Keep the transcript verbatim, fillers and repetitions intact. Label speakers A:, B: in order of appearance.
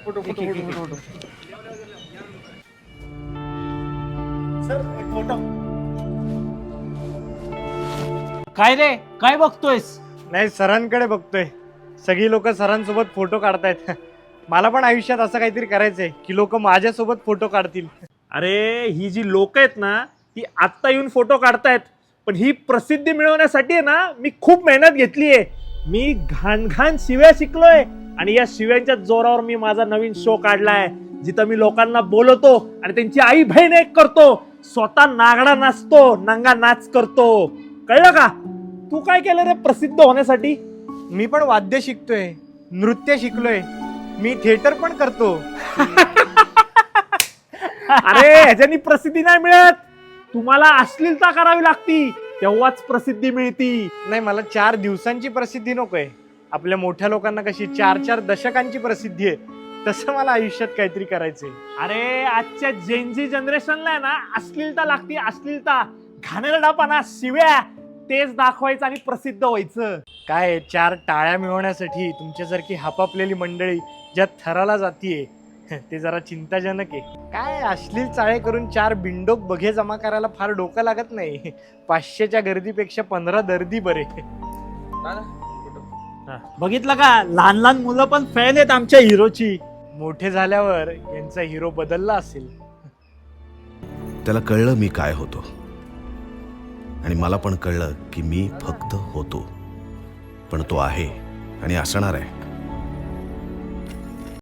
A: Photo photo photo photo sir एक photo.
B: काय रे, काय बघतोयस?
A: नाही, सरांकडे बघतोय. सगळी लोक सरांसोबत फोटो काढतायत. मला पण आयुष्यात असं काहीतरी करायचंय की लोक माझ्यासोबत फोटो काढतील.
C: अरे ही जी लोक आहेत ना ती आत्ता येऊन फोटो काढतायत, पण ही प्रसिद्धी मिळवण्यासाठी आहे ना मी खूप मेहनत घेतली आहे. मी घाण घाण शिव्या शिकलोय आणि या शिव्यांच्या जोरावर मी माझा नवीन शो काढलाय, जिथं मी लोकांना बोलवतो आणि त्यांची आई बहीण एक करतो, स्वतः नागडा नाचतो, नंगा नाच करतो. कळलं का? तू काय केलं रे प्रसिद्ध होण्यासाठी?
A: मी पण वाद्य शिकतोय, नृत्य शिकलोय, मी थिएटर पण करतो.
C: अरे ह्याच्यानी प्रसिद्धी नाही मिळत, तुम्हाला अश्लीलता करावी लागती तेव्हाच प्रसिद्धी मिळती.
A: नाही, मला चार दिवसांची प्रसिद्धी नकोय. आपल्या मोठ्या लोकांना कशी चार चार दशकांची प्रसिद्धी आहे, तसं मला आयुष्यात काहीतरी करायचंय.
C: अरे आजच्या जेनजी जनरेशनला आहे ना अश्लीलता लागती, अश्लीलता, घाणेरडापणा, शिव्या, तेच दाखवायचं आणि प्रसिद्ध व्हायचं.
A: काय चार टाळ्या मिळवण्यासाठी तुमच्यासारखी हापापलेली मंडळी ज्या थराला जातीये ते जरा चिंताजनक आहे. काय अश्लील चाळे करून चार बिंडोक बघे जमा करायला फार डोकं लागत नाही. पाचशेच्या गर्दीपेक्षा पंधरा दर्दी बरे.
B: बघितलं का, लहान लहान मुलं पण फॅन आहेत आमच्या हिरोची.
A: मोठे झाल्यावर यांचा हिरो बदलला असेल.
D: त्याला कळलं मी काय होतो, आणि मला पण कळलं की मी फक्त होतो, पण तो आहे आणि असणार आहे.